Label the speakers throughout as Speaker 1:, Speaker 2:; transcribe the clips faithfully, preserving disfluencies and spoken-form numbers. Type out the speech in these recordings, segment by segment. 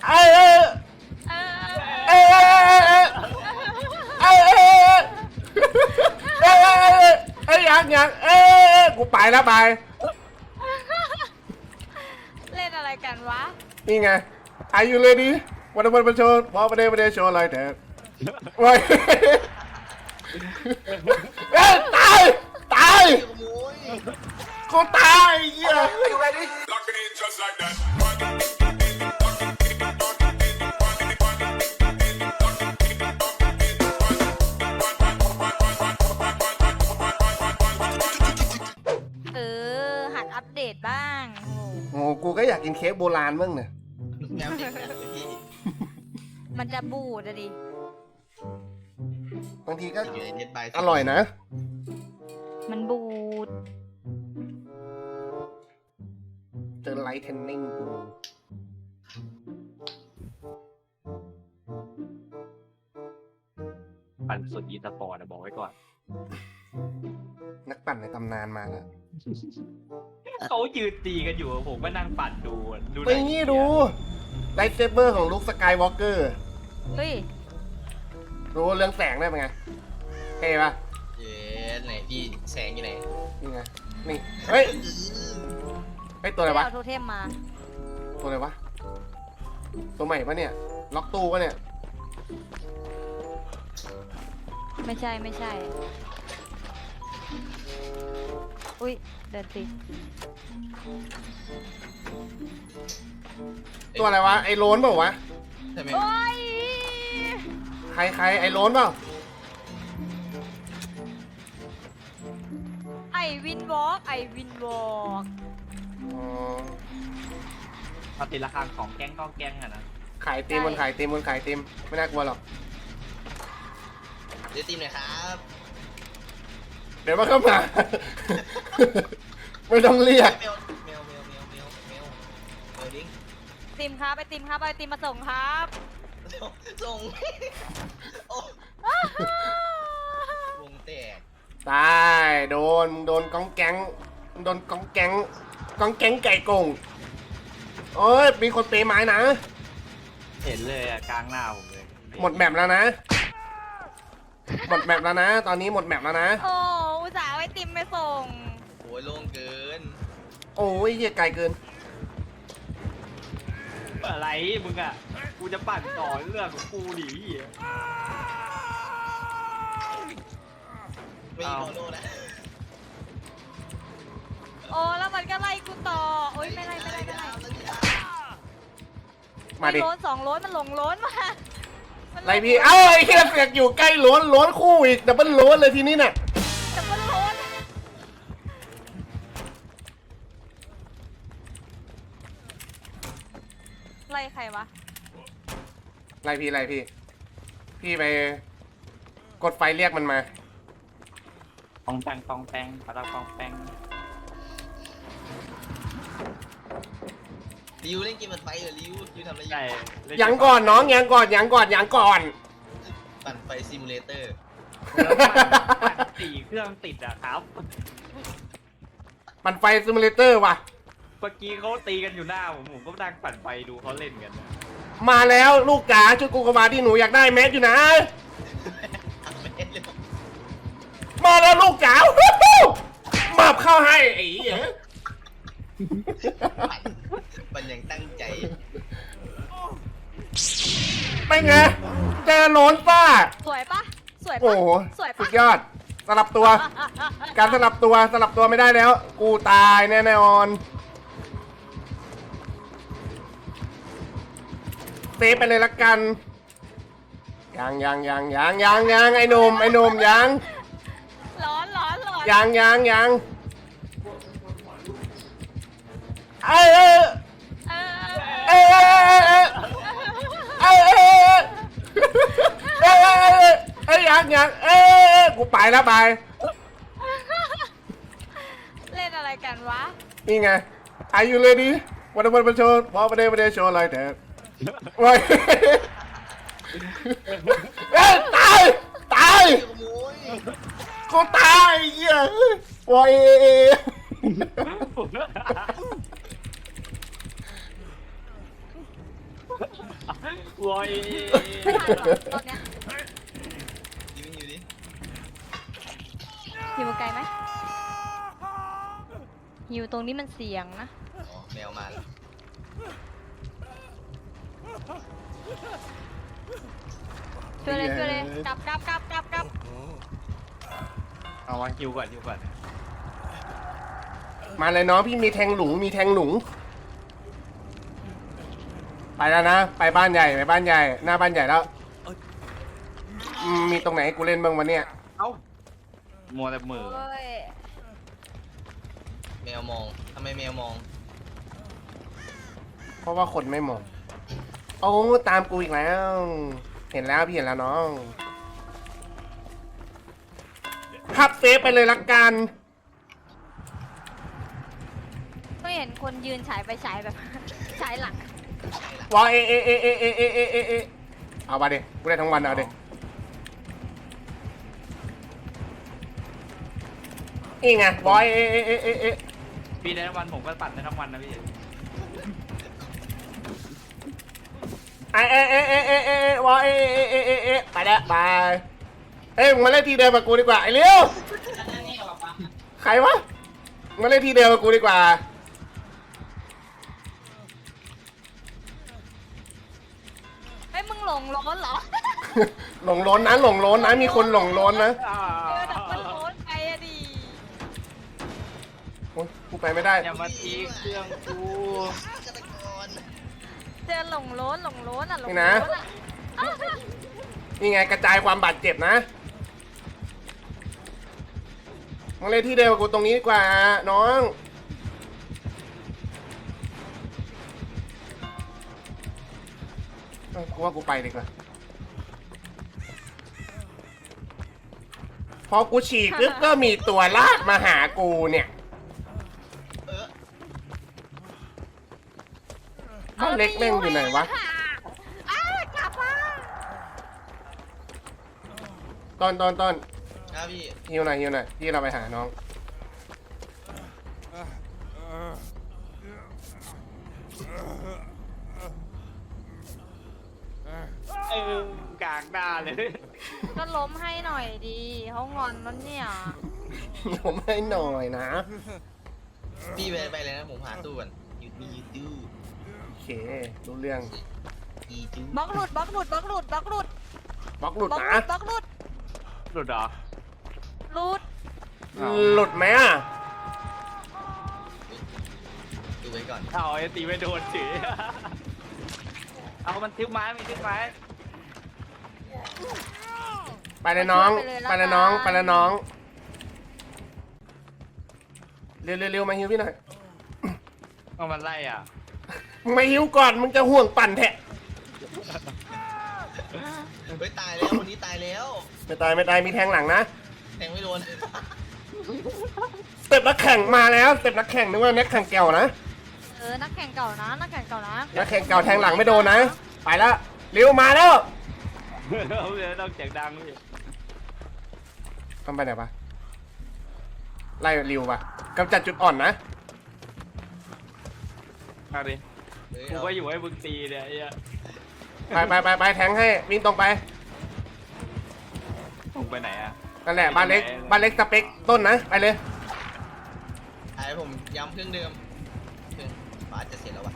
Speaker 1: เอ้ยเอ้ยเอ้ยเอ้ยเอ้ยเอ้ยเอ้ยเอ้ยเอ้ยยังยังเอ้ยกูไปแล้วไป
Speaker 2: เล่นอะไรกันวะ
Speaker 1: นี่ไง Are you ready วันวันวันโชว์พอประเดี๋ยวประเดี๋ยวโชว์อะไรเถอะว้ายเอ้ยตายตายกูตายเหี้ย
Speaker 2: เออหัดอัปเดตบ้าง
Speaker 1: โอ้กูก็อยากกินเค้กโบราณบ้างเนี่ย
Speaker 2: มันจะบูดอะดิ
Speaker 1: บางทีก็อร่อยนะ
Speaker 2: มันบูด
Speaker 1: เจอไลท์เทนนิ่งกู
Speaker 3: ปั่นสุดอีสปอร์ตบอกไว้ก่อน
Speaker 1: นักปั่นในตำนานมาแล้ว
Speaker 3: เขายืนตีกันอยู่ผมก็นั่งปั่นดูดู
Speaker 1: ไปงี้ดูไลท์เซเบอร์ของลูกสกายวอล์กเกอร์
Speaker 2: เฮ้ย
Speaker 1: รู้เรื่องแสงได้ไหมไงเท่ปะ
Speaker 4: เย้ไหนพี่แสงอยู่ไหน
Speaker 1: นี่ไงนี่เฮ้ยเฮ้ยตัวอะไรวะ
Speaker 2: โทเทมมา
Speaker 1: ตัวอะไรวะตัวใหม่ปะเนี่ยล็อกตู้ปะเนี่ย
Speaker 2: ไม่ใช่ไม่ใช่อุ้ยเดินติด
Speaker 1: ตัวอะไรวะไอ้โลนเปล่าวะ
Speaker 2: โอ้ย
Speaker 1: ใครใครไอ้โลนเปล่า
Speaker 2: ไอวินวอล์กไอวินวอล์ก
Speaker 1: อ๋อ
Speaker 3: มาติดราคาของแก๊งก้องแก๊งอะนะ
Speaker 1: ขายตีมมันขายตีมมันขายตีมไม่น่ากลัวหรอก
Speaker 4: เดี๋ยวตีมหน่อยครับ
Speaker 1: เดี๋ยวมาเข้ามาไม่ต้องเรียก
Speaker 4: เมลเมลเมลเมลเมลเมลเมลดิ้ง
Speaker 2: ติมครับไปติมครับไปติมมาส่งครับ
Speaker 4: ส่งโอ้วงแตก
Speaker 1: ตายโดนโดนกองแก๊งโดนกองแก๊งกองแก๊งไก่กงโอ้ยมีคนเปย์ไม้นะ
Speaker 3: เห็นเลยอะกลางหน้าผมเลย
Speaker 1: หมดแมปแล้วนะหมดแมปแล้วนะตอนนี้หมดแมปแล้วนะ
Speaker 2: โอ้อุตส่าห์ไว้ติมไปส่ง
Speaker 4: โอ้ยโล่งเกิน
Speaker 1: โอ้ยเหี้ยไกลเกิน
Speaker 3: อะไรมึงอะกูจะปั่นต่อเรื่องของกูดิ
Speaker 4: ไม่มีโมโนนะ
Speaker 2: โอ้แล้วมันก็ไล่กูต่อโอ้ยไม่ไล่ไม่ไล่ไม่ไล่
Speaker 1: มาดิ
Speaker 2: โล้นสองโล้นมันหลงโล้นมา
Speaker 1: ไรพี่เอ้าไอ้เหี้ยเสือกอยู่ใกล้ล้นล้นคู่อีกดับเบิลล้นเลยทีนี้เนี่ย
Speaker 2: ดับเบิลโล้นไล่ใครวะ
Speaker 1: ไรพี่ไรพี่พี่ไปกดไฟเรียกมันมา
Speaker 3: ปองแปงปองแปงปะตาปองแปง
Speaker 4: ริวเล่นเกมมันไปเหรอริวริวทำอะไรอยู่
Speaker 1: ยังก่อนน้องยังก่อนยังก่อนยังก่อน
Speaker 4: ปั่นไฟซิมูเลเตอร์
Speaker 3: สี่เครื่องติดอะครับ
Speaker 1: ปั่นไฟซิมูเลเตอร์ว่ะ
Speaker 3: เมื่อกี้เขาตีกันอยู่หน้าผมผมก็นั่งปั่นไฟดูเขาเล่นกัน
Speaker 1: มาแล้วลูกจ๋าชุดกูกมาที่หนูอยากได้แมสอยู่นะมาแล้วลูกจ๋ามาบเข้าให้ไอ้เหี้ย
Speaker 4: มันยังตั้งใจ
Speaker 1: ไม่ไงเจอโหนนป้า
Speaker 2: สวยปะสวยปะ
Speaker 1: โอ้โห
Speaker 2: สวยปะ
Speaker 1: สุดยอดสลับตัวการสลับตัวสลับตัวไม่ได้แล้วกูตายแน่นอนเซฟไปเลยละกันยังยังยังยังยังยังไอ้หนุ่มไอ้หนุ่มยัง
Speaker 2: ร้อนร้อนร้อน
Speaker 1: ยังยังยังเอ้ยเอ้ยเอ้ยเอ้ยเอ้ยเอ้ยเอ้ยเอ้ยยังยังเอ้ยกูไปแล้วไป
Speaker 2: เล่นอะไรกันวะ
Speaker 1: นี่ไง Are you ready วันวันวันโชว์พอประเดี๋ยวประเดี๋ยวโชว์อะไรเถอะว้ายเอ้ยตายตายกูตายเหี้ยว้าย
Speaker 3: วอย
Speaker 2: ไม่ทันหรอกตอนเนี้ย
Speaker 4: ยิงอยู่ดิ
Speaker 2: หิวไกลไหมหิวตรงนี้มันเสี่ยงนะ
Speaker 4: อ๋อแมวมาแล้ว
Speaker 2: ช่วยเลยช่วยเลยกลับกลับกลับกลับกลับ
Speaker 3: เอาวางคิวก่อนคิวก่อน
Speaker 1: มาเลยน้องพี่มีแทงหลุงมีแทงหลุงไปแล้วนะไปบ้านใหญ่ไปบ้านใหญ่หน้าบ้านใหญ่แล้วอืมมีตรงไหนให้กูเล่นบ้างวะเนี่ย
Speaker 3: เอ้ามัวแต่มือ
Speaker 2: โอ้ย
Speaker 4: แมวมองทำไมแมวมอง
Speaker 1: เพราะว่าคนไม่มองโอ้ตามกูอีกแล้ว เห็นแล้วพี่เห็นแล้วน้องพับเซฟไปเลยละกัน
Speaker 2: ก็เห็นคนยืนฉายไปฉายแบบ ฉายหลัง
Speaker 1: วอเอเอเอเอเอเอเอเอเอเอามาดิกูได้ทั้งวันเอาดินี่ไงวอเอเอเอเอเอ
Speaker 3: พี่ได้ทั้งวันผมก็ปั่นได้ทั้งวันนะพี่
Speaker 1: ไอเอเอเอเอเอเอวอเอเอเอเอเอไปแล้วไปเอ้ยมึงมาเล่นทีเดิมกับกูดีกว่าไอ้เลี้ยวใครวะมาเล่นทีเดิมกับกูดีกว่า
Speaker 2: ไอ้ยมึงหลงร้อนเหรอ
Speaker 1: หลงล้นนะหลงล้นนะมีคนหลงล้นนะ
Speaker 2: เออดับมันร้อนไปอะดิ
Speaker 1: โอ๊ยกูไปไม่ได้
Speaker 3: อย่ามาทีเครื่องกู
Speaker 4: ฆาตกร
Speaker 2: เจอหลงร้อนหลงร้อนอะหลง
Speaker 1: นี่
Speaker 2: ร้
Speaker 1: นะ
Speaker 2: อนอะอ้าว
Speaker 1: นี่ไงกระจายความบาดเจ็บนะมาเล่นที่เดิมกับกูตรงนี้ดีกว่าน้องเอ้ากูว่ากูไปดีกว่าพอกูฉีกปุ๊บก็มีตัวลากมาหากูเนี่ย
Speaker 4: เออ
Speaker 1: บ้านเล็กแม่งอยู่ไหนวะ
Speaker 2: อ้าวกลับมา
Speaker 1: ต้นต้นต้น
Speaker 4: ครับพี่
Speaker 1: ฮิวหน่อยฮิวหน่อยที่เราไปหาน้อง
Speaker 3: เออกากหน้าเลย
Speaker 2: ก็ล้มให้หน่อยดีเขางอนแล้วเนี่ย
Speaker 1: ผมให้หน่อยนะ
Speaker 4: พี่ไปไปเลยนะผมหาตู้ก่อนยูทูยูทู
Speaker 1: โอเครู้เรื่อง
Speaker 4: อีจู
Speaker 2: บล็อกหลุดบล็อกหลุดบล็อกหลุดบล็อกหลุด
Speaker 1: บล็อกหลุด
Speaker 2: บล็อกห
Speaker 1: นะ
Speaker 2: ลุดบล็อกหลุด
Speaker 3: หลุดเหรอ
Speaker 2: หลุด
Speaker 1: หลุดไหมอ่ะ
Speaker 4: ดูไว้ก่อน
Speaker 3: เอาไอ้ตีไม่โดนเฉยเอามันทิ้งไม้มันทิ้งไม้
Speaker 1: ไปเลยน้องไปเลยน้องไปเลยน้องเร็วเร็วเร็วมาฮิวพี่หน่อย
Speaker 3: เอามันไล่อ่ะ
Speaker 1: มึงมาฮิวก่อนมึงจะห่วงปั่นแทะ
Speaker 4: เฮ้ยตายแล้วคนนี้ตายแล้ว
Speaker 1: ไม่ตายไม่ตายมีแทงหลังนะ
Speaker 4: แทงไม่โดน
Speaker 1: สเต็ปนักแข่งมาแล้วสเต็ปนักแข่งนึกว่านักแข่งแก่วนะ
Speaker 2: เออนักแข่งเก่านะนักแข่งเก่านะ
Speaker 1: นักแข่งเก่าแทงหลังไม่โดนนะไปแล้วเร็วมาแล้ว
Speaker 3: เอาเลยต้องเสียงดังพี่
Speaker 1: ทำไปไหนปะไล่ริวปะกำจัดจุดอ่อนนะ
Speaker 3: เอาดิ
Speaker 4: เฮ้ย
Speaker 3: กู
Speaker 4: เอา
Speaker 3: ก็อยู่ให้มึงตีเนี่ยไอ้เหี้ย
Speaker 1: ไปไปไปไปแทงให้วิ่งตรงไป
Speaker 3: มึงไปไหนอ่ะ
Speaker 1: นั่นแหละบ้านเล็กบ้านเล็กสเปคต้นนะไปเลย
Speaker 4: ไอ้ผมย้ำเครื่องเดิมเครื่องฟ้าจะเสร็จแล้ววะ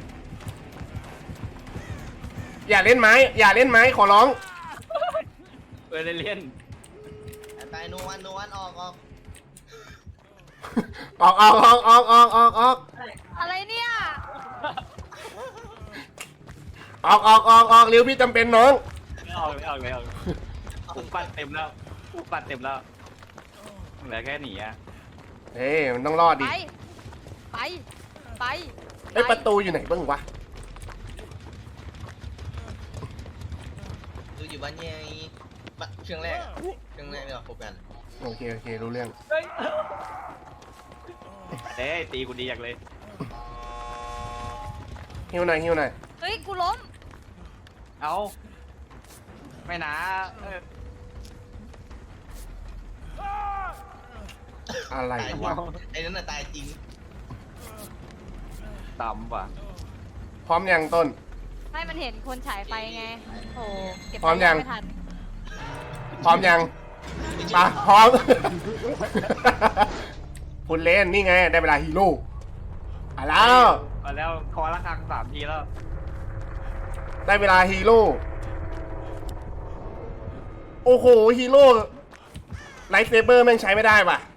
Speaker 1: อย่าเล่นไม้ อย่าเล่นไม้ขอร้อง
Speaker 3: เออเล่น
Speaker 4: ตายโนวันโนวันออกออก
Speaker 1: ออกออกออกออกออกออกออก
Speaker 2: อะไรเนี่ย
Speaker 1: ออกออกออกออกเร็วพี่จำเป็นน้อง
Speaker 3: ไม่ออกไม่ออกไม่ออกกูปัดเต็มแล้วกูปัดเต็มแล้วเหลือแค่หนีอ่ะ
Speaker 1: เฮ้ยมันต้องรอด
Speaker 2: ไป
Speaker 1: ดิ
Speaker 2: ไปไป
Speaker 1: ไอ้ยประตูอยู่ไหนบ้างวะ
Speaker 4: ดูอยู่บ้านใหญ่บ้านเครื่องแรกอะเครื่องแรกเนี่ยพบกัน
Speaker 1: โอเคโอเครู้เรื่อง
Speaker 3: เฮ้ยเอ้ยตีกูดีอยากเลย
Speaker 1: หิวหน่อยหิวหน่อย
Speaker 2: เฮ้ยกูล้ม
Speaker 3: เอาไม่นะเออ
Speaker 1: อะไร
Speaker 4: ตายจริ
Speaker 1: วะ
Speaker 4: งไอ้นั่นน่ะตายจริง
Speaker 3: ต่ำว่ะ
Speaker 1: พร้อมยังต้น
Speaker 2: พให้มันเห็นคนฉายไฟไงโหเก็บ
Speaker 1: พร้อมยัง
Speaker 2: ไม่ทัน
Speaker 1: พร้อมยังมาพร้อม คุณเล่นนี่ไงได้เวลาฮีโร่อ่ะแล้ว
Speaker 3: มาแล้วคอละครังสามทีแล้ว
Speaker 1: ได้เวลาฮีโร่โอ้โหฮีโร่ไลท์เซเบอร์แม่งใช้ไม่ได้ว่ะ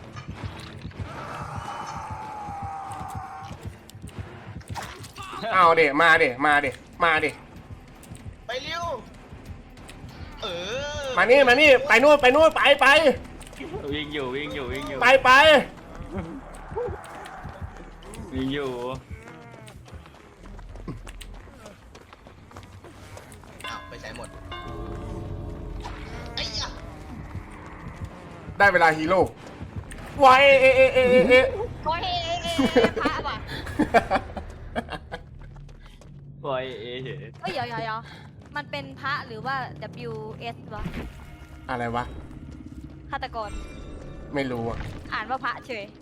Speaker 1: เอาเด็มาเด็มาเด็มาเด็
Speaker 4: ไปเร็วเออ
Speaker 1: มานี่มานี่ไปนู่นไปนู่นไปไป
Speaker 3: วิ่งอยู่วิ่งอยู่วิ่งอยู่
Speaker 1: ไปไป
Speaker 3: วิ่งอยู่
Speaker 4: อ้าวไปใช้หมดไอ้ยะ
Speaker 1: ได้เวลาฮีโร่วายเอเอเอเอเอ
Speaker 2: โอ้ยเอ๊ะเอ๊ะเอ๊ะพระว่ะ
Speaker 3: ปล่อยเอเฉย
Speaker 2: เอ้ยเดี๋ยวเดี๋ยวเดี๋ยวมันเป็นพระหรือว่า W S วะ
Speaker 1: อะไรวะ
Speaker 2: ฆาตกร
Speaker 1: ไม่รู้อ่ะ
Speaker 2: อ่านว่าพระเฉย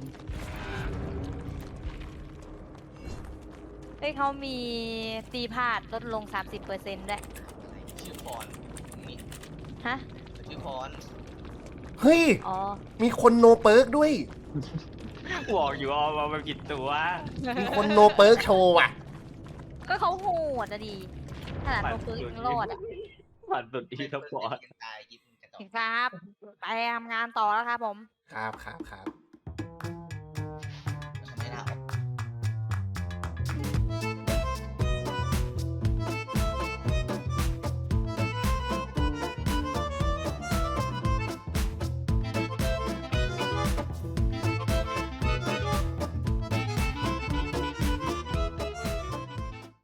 Speaker 2: เฮ้ยเขามีตีพลาดลดลง สามสิบเปอร์เซ็นต์ ด้วย
Speaker 4: ชื่อพรนี่
Speaker 2: ฮะ
Speaker 4: ชื่อพร
Speaker 1: เฮ้ย
Speaker 2: อ๋อ
Speaker 1: มีคนโนเปิร์กด้วย
Speaker 3: บอกอยู่เอามาเป็นกี่ตัว
Speaker 1: มีคนโนเปิร์กโชว์ว่ะ
Speaker 2: ก็เขาโหดอะดีขนาดตัวปืนยังรอดอะ
Speaker 3: ผ่านสุดที่สปอร์ต
Speaker 4: ตายกินกระจอก
Speaker 2: เห็นครับ ไปทำงานต่อแล้วครับผม
Speaker 1: ครับครับครับ